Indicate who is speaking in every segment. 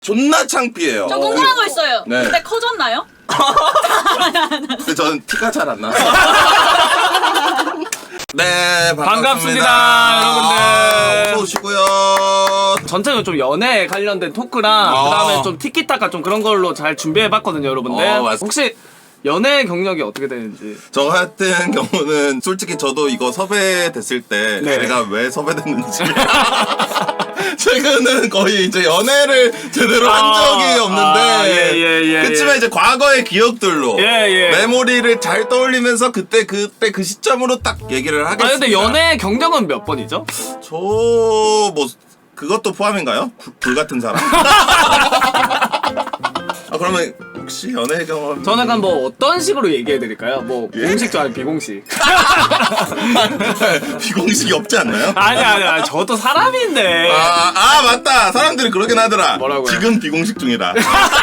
Speaker 1: 존나 창피해요.
Speaker 2: 저 궁금한 거 있어요.
Speaker 1: 네.
Speaker 2: 그때 커졌나요?
Speaker 1: 근데 저는 티가 잘 안 나서. 네,
Speaker 3: 반갑습니다, 여러분들.
Speaker 1: 어서 오시고요.
Speaker 3: 전체적으로 좀 연애에 관련된 토크랑 그다음에 좀 티키타카 좀 그런 걸로 잘 준비해봤거든요, 여러분들.
Speaker 1: 맞습니다.
Speaker 3: 혹시 연애 경력이 어떻게 되는지.
Speaker 1: 저 같은 경우는 솔직히 저도 이거 섭외됐을 때
Speaker 3: 네.
Speaker 1: 제가 왜 섭외됐는지 최근은 거의 이제 연애를 제대로 한 적이 없는데
Speaker 3: 예.
Speaker 1: 그렇지만 이제 과거의 기억들로
Speaker 3: 예.
Speaker 1: 메모리를 잘 떠올리면서 그때 그 시점으로 딱 얘기를 하겠습니다.
Speaker 3: 아 근데 연애 경력은 몇 번이죠?
Speaker 1: 저 뭐 그것도 포함인가요? 불 같은 사람? 아 그러면 혹시 연애 경험?
Speaker 3: 저는 약간 뭐 어떤 식으로 얘기해 드릴까요? 뭐
Speaker 1: 예?
Speaker 3: 공식 줄 알고 비공식.
Speaker 1: 비공식이 없지 않나요?
Speaker 3: 아니 저도 사람인데.
Speaker 1: 아 맞다. 사람들이 그러긴 하더라.
Speaker 3: 뭐라고요?
Speaker 1: 지금 비공식 중이다.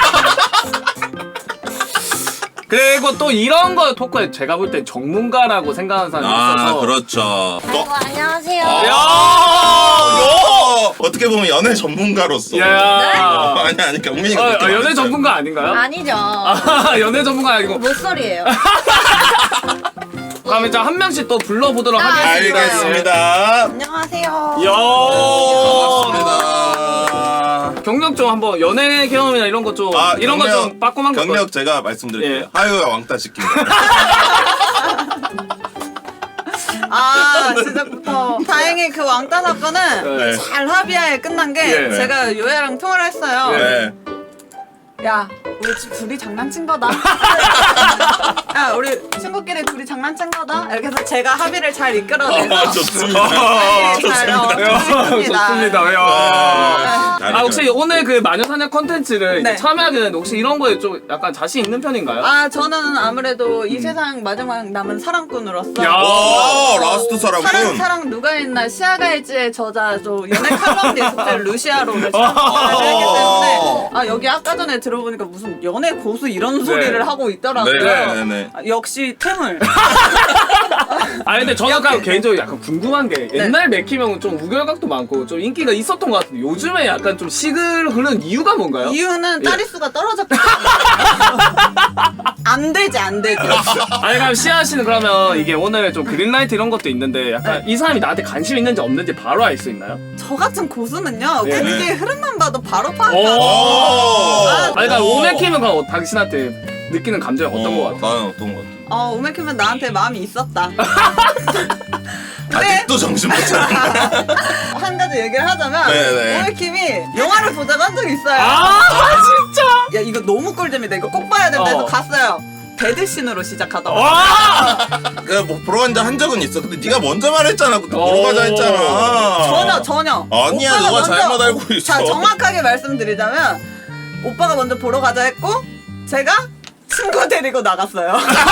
Speaker 3: 그리고 또 이런 거 토크에 제가 볼 땐 전문가라고 생각하는 사람이 있어서.
Speaker 1: 그렇죠.
Speaker 4: 아이고 안녕하세요.
Speaker 3: 야!
Speaker 1: 어떻게 보면 연애 전문가로서.
Speaker 3: 야.
Speaker 1: 아니 경민이가 그렇게
Speaker 3: 연애
Speaker 1: 말했어요.
Speaker 3: 전문가 아닌가요?
Speaker 4: 아니죠.
Speaker 3: 연애 전문가 아니고.
Speaker 4: 못소리예요.
Speaker 3: 그럼 이제 한 명씩 또 불러보도록 하겠습니다.
Speaker 1: 알겠습니다.
Speaker 4: 안녕하세요.
Speaker 3: 야.
Speaker 1: 반갑습니다.
Speaker 3: 경력 좀 한번 연애 경험이나 이런 거 좀 이런 거 좀 빠꼼한 거.
Speaker 1: 경력 제가 말씀드릴게요.
Speaker 3: 예.
Speaker 1: 하유가 왕따 시킨다.
Speaker 5: 아 시작부터 다행히 그 왕따 사건은
Speaker 1: 네.
Speaker 5: 잘 합의하에 끝난 게
Speaker 3: 예.
Speaker 5: 제가 요애랑 통화를 했어요.
Speaker 1: 네.
Speaker 5: 야 우리 둘이 장난친 거다. 야 우리 친구끼리 둘이 장난친 거다. 이렇게 해서 제가 합의를 잘 이끌어내서
Speaker 1: 좋습니다.
Speaker 3: 좋습니다. 야.
Speaker 1: 네.
Speaker 3: 혹시 오늘 그 마녀사냥 컨텐츠를
Speaker 5: 네.
Speaker 3: 이제 참여하게 되는데 혹시 이런 거에 좀 약간 자신 있는 편인가요?
Speaker 5: 아 저는 아무래도 이 세상 마지막 남은 사랑꾼으로서
Speaker 3: 야.
Speaker 1: 오 라스트 사람군.
Speaker 5: 사랑 누가 있나 시아가이즈의 저자 저 연애 칼럼니스트 루시아로를 했기 때문에 아 여기 아까 전에 들어보니까 무슨 연애 고수 이런 소리를 하고 있더라고요.
Speaker 1: 네네네.
Speaker 5: 아, 역시 태물.
Speaker 3: 아니 근데 저는 약간 개인적으로 약간 궁금한 게 옛날 맥히명은 좀 우결각도 많고 좀 인기가 있었던 것 같은데 요즘에 약간 좀 식을 흐르는 이유가 뭔가요?
Speaker 5: 이유는
Speaker 3: 예.
Speaker 5: 짜릿수가 떨어졌기 때문에 안 되지.
Speaker 3: 아니 그럼 시아 씨는 그러면 이게 오늘 좀 그린라이트 이런 것도 있는데 약간 이 사람이 나한테 관심 있는지 없는지 바로 알 수 있나요?
Speaker 5: 저 같은 고수는요
Speaker 3: 예.
Speaker 5: 관계의 흐름만 봐도 바로
Speaker 3: 오.
Speaker 5: 파악하고
Speaker 3: 아니 그러니까 오맥히면 그럼 당신한테 느끼는 감정이 어떤 것 같아요?
Speaker 1: 나는 어떤 것 같아?
Speaker 5: 오메키면 나한테 마음이 있었다.
Speaker 1: 아직도 정신 못 차려.
Speaker 5: 한 가지 얘기를 하자면
Speaker 1: 네네.
Speaker 5: 오메킴이 영화를 보자고 한 적이 있어요.
Speaker 3: 아 진짜?
Speaker 5: 야 이거 너무 꿀잼이다. 이거 꼭 봐야 된다 해서
Speaker 3: 어.
Speaker 5: 갔어요. 배드신으로 시작하더라고.
Speaker 3: 와!
Speaker 1: 뭐 보러 간자 한 적은 있어. 근데 네가 먼저 말했잖아. 그때 보러 가자 했잖아.
Speaker 5: 전혀.
Speaker 1: 아니야,
Speaker 5: 오빠가
Speaker 1: 너가
Speaker 5: 먼저-
Speaker 1: 잘못 알고 있어.
Speaker 5: 자 정확하게 말씀드리자면 오빠가 먼저 보러 가자 했고 제가 친구 데리고 나갔어요.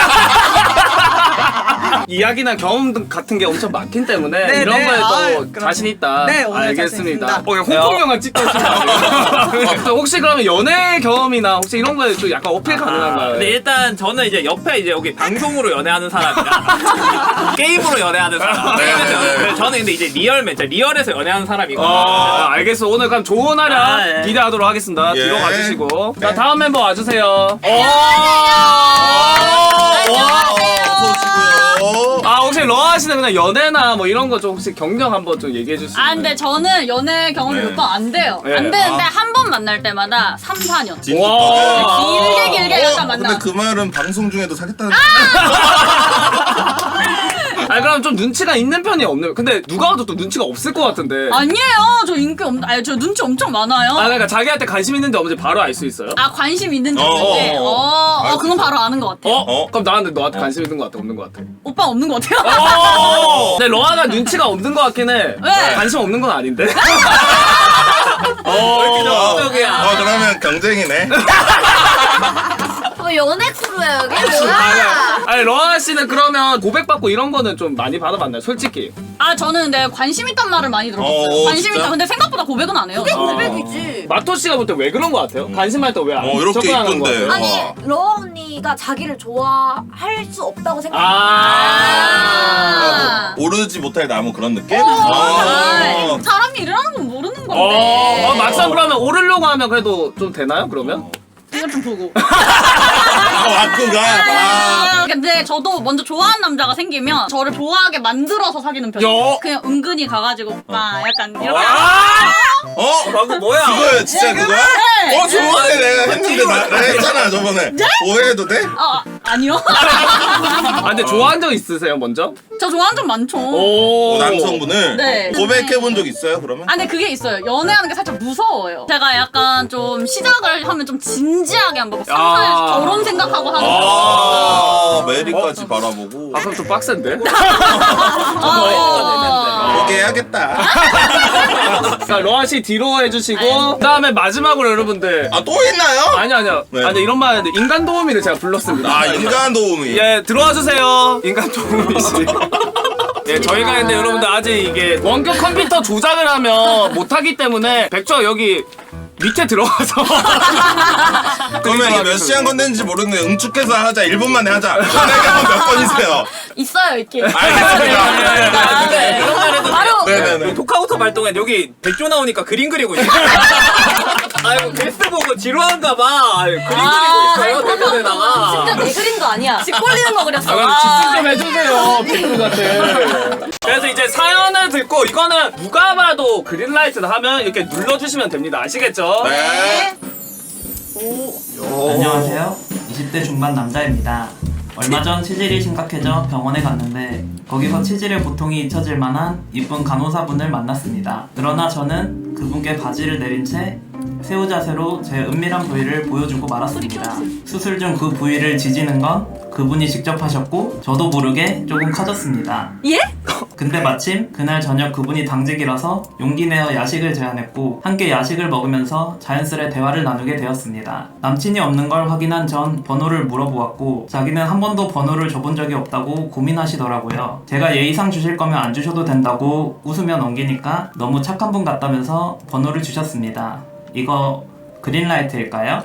Speaker 3: 이야기나 경험 같은 게 엄청 많기 때문에
Speaker 5: 네,
Speaker 3: 이런
Speaker 5: 네.
Speaker 3: 거에 또
Speaker 5: 그럼.
Speaker 3: 자신 있다.
Speaker 5: 네, 오늘
Speaker 3: 알겠습니다.
Speaker 5: 자신 있습니다.
Speaker 3: 홍콩 영화 찍고 있습니다. 혹시 그러면 연애 경험이나 혹시 이런 거에 좀 약간 어필 가능한가요?
Speaker 6: 근데 일단 저는 이제 옆에 이제 여기 방송으로 연애하는 사람이랑 게임으로 연애하는 사람.
Speaker 1: 네.
Speaker 6: 저는 근데 이제 리얼에서 연애하는 사람이거든요.
Speaker 3: 알겠어. 오늘 그럼 좋은 활약
Speaker 6: 아, 예.
Speaker 3: 기대하도록 하겠습니다.
Speaker 1: 예.
Speaker 3: 뒤로 가주시고. 자, 다음 멤버 와주세요.
Speaker 1: 어서 오시고요.
Speaker 3: 아, 혹시 러아 씨는 그냥 연애나 뭐 이런 거 좀 혹시 경력 한번 좀 얘기해 줄 수 있나요?
Speaker 2: 아 근데 저는 연애 경험이
Speaker 1: 네.
Speaker 2: 몇 번 안 돼요.
Speaker 3: 네.
Speaker 2: 안 되는데 한 번 만날 때마다 3, 4년.
Speaker 1: 진짜
Speaker 3: 와.
Speaker 2: 길게 약간 만나.
Speaker 1: 근데 그 말은 방송 중에도 사겠다는.
Speaker 3: 아니, 그럼 좀 눈치가 있는 편이 없는. 근데 누가 와도 또 눈치가 없을 것 같은데.
Speaker 2: 아니에요. 저 인기 아니 저 눈치 엄청 많아요.
Speaker 3: 그러니까 자기한테 관심 있는지 없는지 바로 알 수 있어요?
Speaker 2: 아 관심 있는지
Speaker 1: 어,
Speaker 2: 없는지.
Speaker 1: 어.
Speaker 2: 그건 바로 아는 것 같아요.
Speaker 3: 그럼 너한테 관심 있는 것 같아, 없는 것 같아?
Speaker 2: 오빠 없는 것 같아요.
Speaker 3: 근데 러아가 눈치가 없는 것 같긴 해.
Speaker 2: 네.
Speaker 3: 관심 없는 건 아닌데.
Speaker 1: 그러면 경쟁이네.
Speaker 4: 연애 크루야 여기 뭐야?
Speaker 3: 아니 러아 씨는 그러면 고백받고 이런 거는 좀 많이 받아봤나요? 솔직히.
Speaker 2: 아 저는 근데 관심 있단 말을 많이 들어봤어요. 관심
Speaker 1: 진짜?
Speaker 2: 있다. 근데 생각보다 고백은 안 해요.
Speaker 4: 그게 고백이지.
Speaker 3: 마토 씨가 볼 때 왜 그런 것 같아요? 관심할 때 왜 안
Speaker 1: 이렇게
Speaker 3: 접근하는 거
Speaker 1: 이쁜데.
Speaker 3: 같아요?
Speaker 4: 아니
Speaker 1: 와.
Speaker 4: 러아 언니가 자기를 좋아할 수 없다고 생각해.
Speaker 1: 오르지 못할 나무 그런 느낌?
Speaker 2: 사람이 일어나는 건 모르는 하는 건데.
Speaker 3: 막상 그러면 오르려고 하면 그래도 좀 되나요? 그러면?
Speaker 2: 이건 좀 보고.
Speaker 1: 와꾸가. 아.
Speaker 2: 근데 저도 먼저 좋아하는 남자가 생기면 저를 좋아하게 만들어서 사귀는 편이에요.
Speaker 3: 야.
Speaker 2: 그냥 은근히 가가지고 오빠 약간 이렇게.
Speaker 6: 방금 뭐야?
Speaker 1: 그거야 진짜 그거야?
Speaker 2: 네.
Speaker 1: 저번에 내가 했는데 내가 했잖아 저번에. 오해해도 돼?
Speaker 2: 아니요.
Speaker 3: 아 근데 좋아한 적 있으세요 먼저?
Speaker 2: 저 좋아하는 점 많죠.
Speaker 3: 오.
Speaker 1: 남성분을
Speaker 2: 네.
Speaker 1: 고백해본 적 있어요 그러면?
Speaker 2: 아 근데 그게 있어요. 연애하는 게 살짝 무서워요. 제가 약간 좀 시작을 하면 좀 진지하게 한번 상상해서 결혼 생각하고 하는 거.
Speaker 1: 메리까지 바라보고.
Speaker 3: 아 그럼 좀 빡센데?
Speaker 1: 그렇게 해야겠다.
Speaker 3: 자 로한 씨 뒤로 해주시고 그다음에 마지막으로 여러분들
Speaker 1: 아 또 있나요?
Speaker 3: 아니요.
Speaker 1: 네.
Speaker 3: 아니 이런 말 하는데 인간 도우미를 제가 불렀습니다.
Speaker 1: 아 인간 도우미.
Speaker 3: 예 들어와 주세요. 인간 도우미 씨. 예 저희가 근데 여러분들 아직 이게 원격 컴퓨터 조작을 하면 못하기 때문에 백조 여기 밑에 들어가서
Speaker 1: 그러면 이게 몇 시간 건데는지 모르는데 응축해서 하자 1분 만에 하자. 내가 몇 번이세요?
Speaker 2: 있어요 이렇게.
Speaker 1: 알겠습니다.
Speaker 2: 네.
Speaker 6: 이런 말 해도
Speaker 2: 바로
Speaker 1: 네네네.
Speaker 6: 토카우터 발동에 여기 백조 나오니까 그림 그리고 있어. 아이고 게스트 보고 지루한가 봐. 그림 그리고 있어요 대면에다가.
Speaker 4: 진짜 내 그림도 아니야.
Speaker 2: 집 꼴리는 거 그렸어.
Speaker 3: 아 그럼 집중 좀 해주세요 백조한테. 그래서 이제 사연을 듣고 이거는 누가 봐도 그린라이트를 하면 이렇게 눌러주시면 됩니다. 아시겠죠?
Speaker 1: 네.
Speaker 7: 안녕하세요. 20대 중반 남자입니다. 얼마 전 치질이 심각해져 병원에 갔는데 거기서 치질의 고통이 잊혀질 만한 이쁜 간호사분을 만났습니다. 그러나 저는 그분께 바지를 내린 채 새우 자세로 제 은밀한 부위를 보여주고 말았습니다. 수술 중 그 부위를 지지는 건 그분이 직접 하셨고 저도 모르게 조금 커졌습니다.
Speaker 2: 예?
Speaker 7: 근데 마침 그날 저녁 그분이 당직이라서 용기 내어 야식을 제안했고 함께 야식을 먹으면서 자연스레 대화를 나누게 되었습니다. 남친이 없는 걸 확인한 전 번호를 물어보았고 자기는 한 번도 번호를 줘본 적이 없다고 고민하시더라고요. 제가 예의상 주실 거면 안 주셔도 된다고 웃으며 넘기니까 너무 착한 분 같다면서 번호를 주셨습니다. 이거 그린라이트일까요?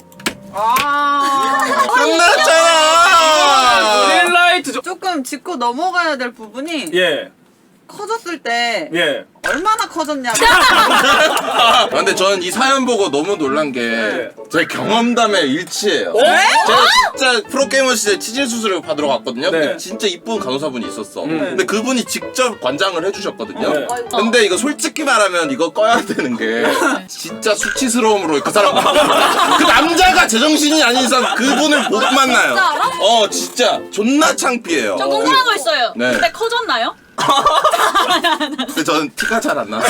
Speaker 1: 끝났잖아.
Speaker 3: 그린라이트
Speaker 5: 조금 짚고 넘어가야 될 부분이
Speaker 3: 예.
Speaker 5: 커졌을 때
Speaker 3: 예.
Speaker 5: 얼마나 커졌냐고.
Speaker 1: 근데 저는 이 사연 보고 너무 놀란 게 제 경험담에 일치해요. 제가 진짜 프로게이머 시절 치질 수술을 받으러 갔거든요.
Speaker 3: 네.
Speaker 1: 근데 진짜 이쁜 간호사분이 있었어.
Speaker 3: 네.
Speaker 1: 근데 그분이 직접 관장을 해주셨거든요.
Speaker 3: 네.
Speaker 1: 근데 이거 솔직히 말하면 이거 꺼야 되는 게 진짜 수치스러움으로 그 사람 그 남자가 제정신이 아닌 이상 그분을 못 만나요.
Speaker 2: 진짜 알아?
Speaker 1: 진짜 존나 창피해요.
Speaker 2: 저 궁금한 거 있어요.
Speaker 1: 네.
Speaker 2: 그때 커졌나요?
Speaker 1: 근데 저는 티가 잘 안 나서.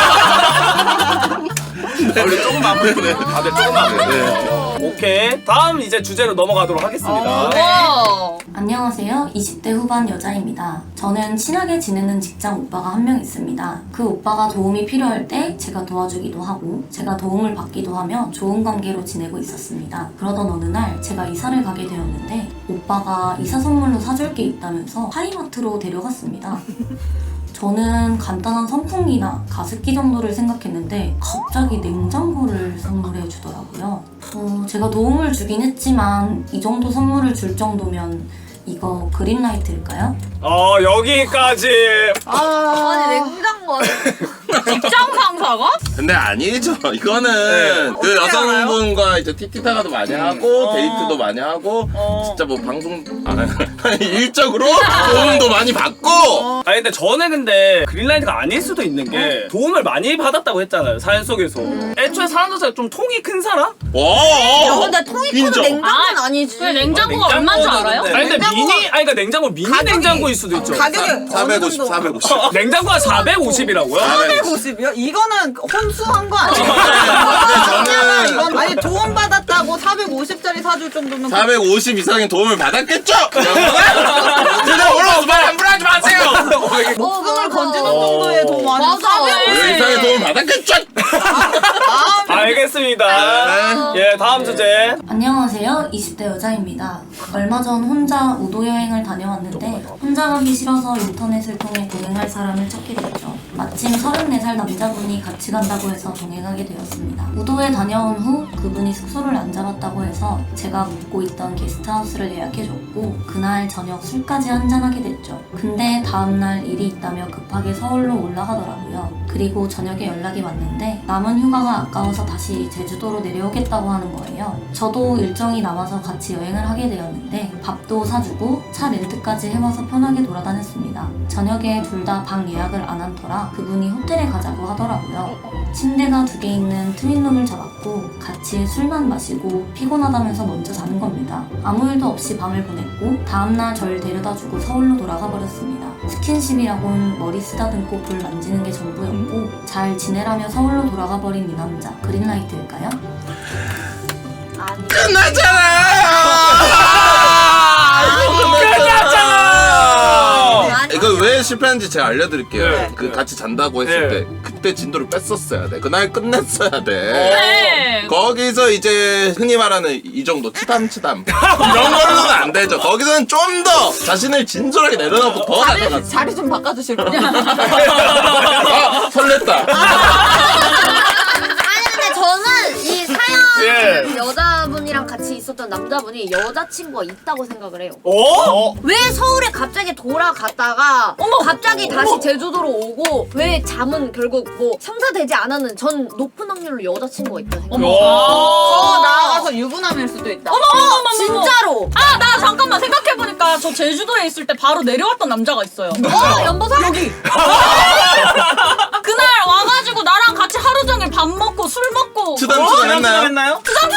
Speaker 3: 우리 조금 아프네. 다들 조금 아프네. 오케이. 다음 이제 주제로 넘어가도록 하겠습니다.
Speaker 2: 와.
Speaker 8: 안녕하세요. 20대 후반 여자입니다. 저는 친하게 지내는 직장 오빠가 한 명 있습니다. 그 오빠가 도움이 필요할 때 제가 도와주기도 하고 제가 도움을 받기도 하며 좋은 관계로 지내고 있었습니다. 그러던 어느 날 제가 이사를 가게 되었는데 오빠가 이사 선물로 사줄 게 있다면서 하이마트로 데려갔습니다. 저는 간단한 선풍기나 가습기 정도를 생각했는데 갑자기 냉장고를 선물해 주더라고요. 제가 도움을 주긴 했지만 이 정도 선물을 줄 정도면 이거 그린라이트일까요?
Speaker 3: 여기까지.
Speaker 4: 아니 냉장고.
Speaker 2: 직장 상사가?
Speaker 1: 근데 아니죠. 이거는 그 여성분과 이제 티티타가도 많이 하고 데이트도 많이 하고 진짜 뭐 방송 일적으로 도움도 많이 받고.
Speaker 3: 아니 근데 저는 근데 그린라이트가 아닐 수도 있는 게 도움을 많이 받았다고 했잖아요 사연 속에서. 애초에 사람 자체가 좀 통이 큰 사람?
Speaker 1: 와.
Speaker 4: 근데 통이 크면
Speaker 1: 인정.
Speaker 4: 냉장고는 아니지.
Speaker 2: 왜 냉장고가 얼마인 줄 알아요?
Speaker 3: 아니 근데 그러니까 냉장고 미니 냉장고일 수도 있죠.
Speaker 5: 가격이
Speaker 1: 450, 450.
Speaker 3: 냉장고가 450이라고요?
Speaker 5: 450이요? 이거는 혼수한 거 아니에요?
Speaker 1: 저는
Speaker 5: 이건 아니 도움 받았다고 450짜리 사줄 정도면
Speaker 1: 450 이상의 도움을 받았겠죠? 근데 올라와서 말 함부로 하지 마세요!
Speaker 5: 목숨을 건지는 정도의 도움 아니면
Speaker 2: 맞아.
Speaker 5: 450
Speaker 1: 이상의 도움을 받았겠죠?
Speaker 3: 알겠습니다. 예 다음 주제.
Speaker 8: 안녕하세요. 20대 여자입니다. 얼마 전 혼자 우도 여행을 다녀왔는데 혼자 가기 싫어서 인터넷을 통해 동행할 사람을 찾게 됐죠. 마침 34살 남자분이 같이 간다고 해서 동행하게 되었습니다. 우도에 다녀온 후 그분이 숙소를 안 잡았다고 해서 제가 묵고 있던 게스트하우스를 예약해줬고 그날 저녁 술까지 한잔하게 됐죠. 근데 다음날 일이 있다며 급하게 서울로 올라가더라고요. 그리고 그리고 저녁에 연락이 왔는데 남은 휴가가 아까워서 다시 제주도로 내려오겠다고 하는 거예요. 저도 일정이 남아서 같이 여행을 하게 되었는데 밥도 사주고 차 렌트까지 해와서 편하게 돌아다녔습니다. 저녁에 둘 다 방 예약을 안 한 터라 그분이 호텔에 가자고 하더라고요. 침대가 2개 있는 트윈룸을 잡았고 같이 술만 마시고 피곤하다면서 먼저 자는 겁니다. 아무 일도 없이 밤을 보냈고 다음날 절 데려다주고 서울로 돌아가 버렸습니다. 스킨십이라곤 머리 쓰다듬고 볼 만지는 게 전부였고 잘 지내라며 서울로 돌아가 버린 이 남자 그린라이트일까요?
Speaker 1: 이거 왜 실패했는지 제가 알려드릴게요.
Speaker 5: 네.
Speaker 1: 그 같이 잔다고 했을
Speaker 3: 네.
Speaker 1: 때 그때 진도를 뺐었어야 돼. 그날 끝냈어야 돼.
Speaker 2: 네.
Speaker 1: 거기서 이제 흔히 말하는 이 정도 치담 이런 걸로는 안 되죠. 거기서는 좀 더 자신을 진솔하게 내려놓고 더 나가갔어.
Speaker 5: 자리 좀 바꿔주실 거예요?
Speaker 1: 아, 설렜다.
Speaker 4: 아니 근데 저는 이 사연
Speaker 3: 예.
Speaker 4: 여자분이랑 같이 있었던 남자분이 여자친구가 있다고 생각을 해요.
Speaker 3: 어?
Speaker 4: 왜 서울에 갑자기 돌아갔다가 갑자기 다시 제주도로 오고 왜 잠은 결국 뭐 성사되지 않았는 전 높은 확률로 여자친구가 있다 생각해요.
Speaker 5: 나가서 유부남일 수도 있다.
Speaker 2: 어머
Speaker 4: 진짜로.
Speaker 2: 아, 나 잠깐만 생각해보니까 저 제주도에 있을 때 바로 내려왔던 남자가 있어요.
Speaker 4: 연보사? 여기.
Speaker 2: 그날 와가지고 나랑 같이 하루 종일 밥 먹고 술 먹고
Speaker 1: 치담 했나요?
Speaker 3: 했나요?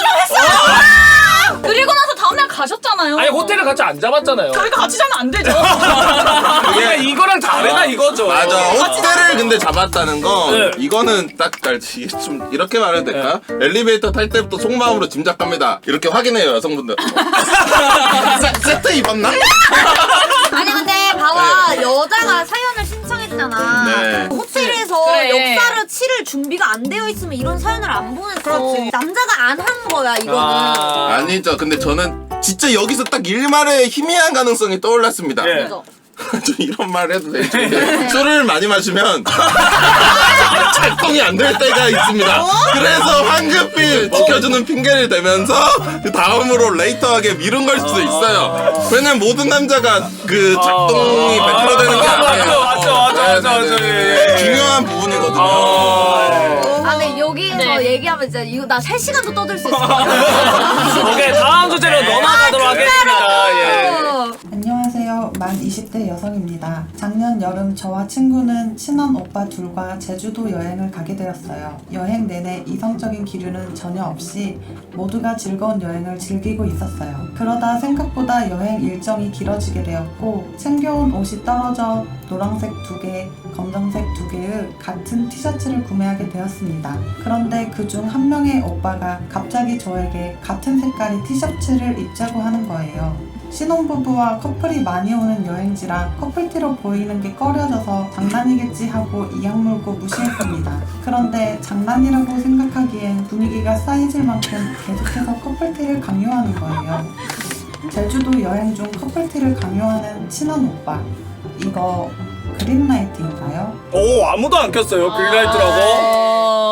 Speaker 2: 그리고 나서 다음날 가셨잖아요.
Speaker 3: 아니 호텔을 같이 안 잡았잖아요.
Speaker 2: 저희가 같이 자면 안 되죠.
Speaker 3: 그러니까 이거랑 다르다 이거죠.
Speaker 1: 맞아. 호텔을 근데 잡았다는 거
Speaker 3: 네.
Speaker 1: 이거는 딱 이게 좀 이렇게 말해도 될까? 엘리베이터 탈 때부터 속마음으로 짐작합니다. 이렇게 확인해요 여성분들. 세트 입었나?
Speaker 4: 아니 근데 봐봐 여자가 사연을 신청했잖아.
Speaker 1: 네.
Speaker 4: 호텔에서
Speaker 2: 그래.
Speaker 4: 역사를 치를 준비가 안 되어 있으면 이런 사연을 안 보냈어.
Speaker 5: 그렇지.
Speaker 4: 남자가 안 한 거야 이거는.
Speaker 1: 아니죠. 근데 저는 진짜 여기서 딱 일말의 희미한 가능성이 떠올랐습니다.
Speaker 3: 예.
Speaker 4: 맞아.
Speaker 1: 좀 이런 말 해도 되죠. 술을 많이 마시면 작동이 안 될 때가 있습니다. 그래서 황급히 지켜주는 핑계를 대면서 그 다음으로 레이터하게 미룬 걸 수도 있어요. 왜냐면 모든 남자가 그 작동이 100% 되는 게 아니에요.
Speaker 3: 맞죠. 예.
Speaker 1: 중요한 부분이거든요.
Speaker 4: 아 근데 여기서
Speaker 2: 네.
Speaker 4: 얘기하면 진짜 이거 나 3시간도 떠들 수 있을 것 같아.
Speaker 3: 오케이 다음 주제로 넘어가도록 하겠습니다. 예.
Speaker 9: 안녕하세요. 만 20대 여성입니다. 작년 여름 저와 친구는 친한 오빠 둘과 제주도 여행을 가게 되었어요. 여행 내내 이성적인 기류는 전혀 없이 모두가 즐거운 여행을 즐기고 있었어요. 그러다 생각보다 여행 일정이 길어지게 되었고 챙겨온 옷이 떨어져 노란색 2개, 검정색 2개의 같은 티셔츠를 구매하게 되었습니다. 그런데 그중 한 명의 오빠가 갑자기 저에게 같은 색깔의 티셔츠를 입자고 하는 거예요. 신혼부부와 커플이 많이 오는 여행지라 커플티로 보이는 게 꺼려져서 장난이겠지 하고 이악 물고 무시했습니다. 그런데 장난이라고 생각하기엔 분위기가 쌓이질 만큼 계속해서 커플티를 강요하는 거예요. 제주도 여행 중 커플티를 강요하는 친한 오빠. 이거 그린라이트인가요?
Speaker 3: 오 아무도 안 켰어요 그린라이트라고.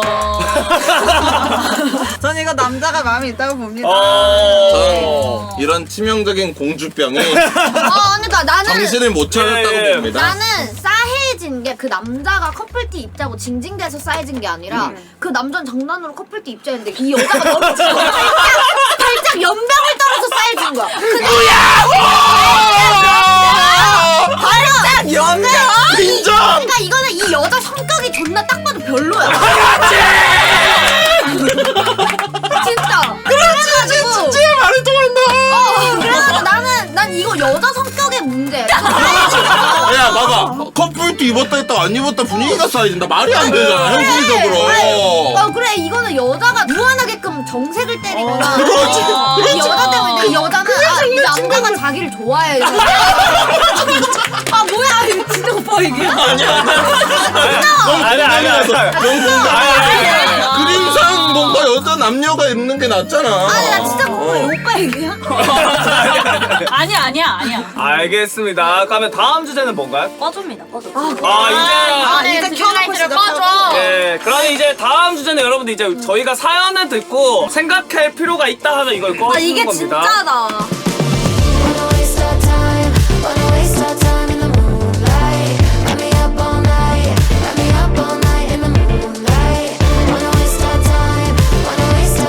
Speaker 5: 전 이거 남자가 마음이 있다고 봅니다.
Speaker 1: 저는 이런 치명적인 공주병이
Speaker 4: 그러니까 나는
Speaker 1: 정신을 못 차렸다고
Speaker 3: 예.
Speaker 1: 봅니다.
Speaker 4: 나는 싸해진 게 그 남자가 커플티 입자고 징징대서 싸해진 게 아니라 그 남자는 장난으로 커플티 입자 했는데 이 여자가 너무 살짝 연병을 떨어서 싸해진 거야. 발짝 연병!
Speaker 1: 인정!
Speaker 4: 그러니까 이거는 이 여자 성격이 존나 딱 봐도 별로야. 진짜. 그래가지고
Speaker 1: 진짜 말이 통한다.
Speaker 4: 그래가지고 난 이거 여자 성격의 문제야.
Speaker 1: 야 봐봐 커플티 입었다 했다 안 입었다 분위기가 쌓여진다. 말이 안 되잖아 현실적으로.
Speaker 4: 그래 이거는 여자가 무한하게끔 정색을 때리거나
Speaker 1: 그렇지,
Speaker 4: 이 여자 때문에 이 여자는 이 남자가 자기를 좋아해. 뭐야 이거 진짜 오빠 이게
Speaker 1: 그림상 뭔가 여자 남녀가 입는 게 낫잖아.
Speaker 4: 나 진짜 오빠 얘기야?
Speaker 2: 아니야.
Speaker 3: 알겠습니다. 그러면 다음 주제는 뭔가요?
Speaker 8: 꺼줍니다. 꺼줘.
Speaker 5: 이제 켜놓고 시작하죠.
Speaker 3: 네, 그럼 이제 다음 주제는 여러분들 이제 저희가 사연을 듣고 생각할 필요가 있다 하면 이걸 꺼주는
Speaker 4: 이게
Speaker 3: 겁니다.
Speaker 4: 진짜다.